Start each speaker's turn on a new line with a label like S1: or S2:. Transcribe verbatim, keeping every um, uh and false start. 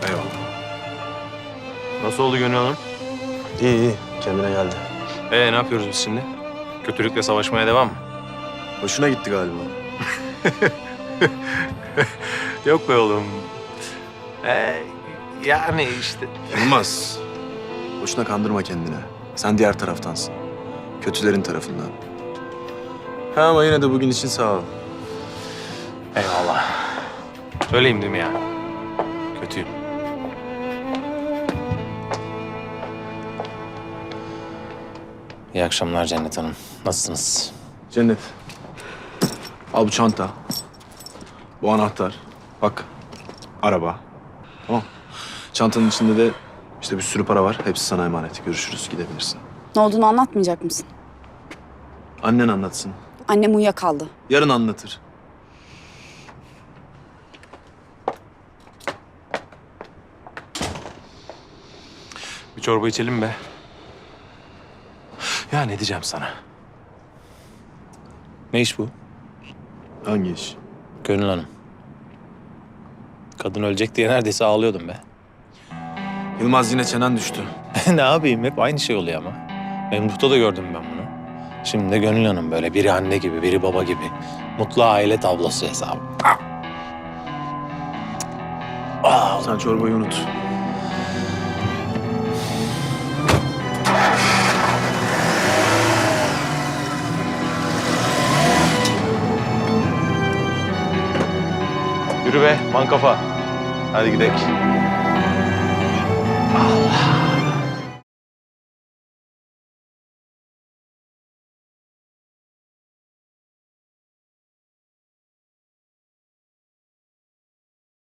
S1: Eyvallah.
S2: Nasıl oldu Gönül Hanım?
S1: İyi iyi. Kendine geldi.
S2: Ee ne yapıyoruz biz şimdi? Kötülükle savaşmaya devam mı?
S1: Hoşuna gitti galiba.
S2: Yok be oğlum. Ee, yani işte.
S1: Yılmaz. Boşuna kandırma kendini. Sen diğer taraftansın. Kötülerin tarafından. Ha ama yine de bugün için sağ ol.
S2: Eyvallah. Söyleyeyim değil mi ya? Kötüyüm. İyi akşamlar Cennet Hanım. Nasılsınız?
S1: Cennet. Al bu çanta. Bu anahtar. Bak. Araba. Tamam. Çantanın içinde de işte bir sürü para var. Hepsi sana emanet. Görüşürüz. Gidebilirsin.
S3: Ne olduğunu anlatmayacak mısın?
S1: Annen anlatsın.
S3: Annem uyuyakaldı.
S1: Yarın anlatır.
S2: Bir çorba içelim be. Ya ne diyeceğim sana? Ne iş bu?
S1: Hangi iş?
S2: Gönül Hanım. Kadın ölecek diye neredeyse ağlıyordum be.
S1: Yılmaz yine çenen düştü.
S2: Ne yapayım? Hep aynı şey oluyor ama. Memduh'ta da gördüm ben bunu. Şimdi de Gönül Hanım böyle biri anne gibi, biri baba gibi. Mutlu aile tablosu hesabı. Ah! Ah!
S1: Sen çorbayı unut.
S2: Yürü be, man kafa. Hadi gidelim. Allah.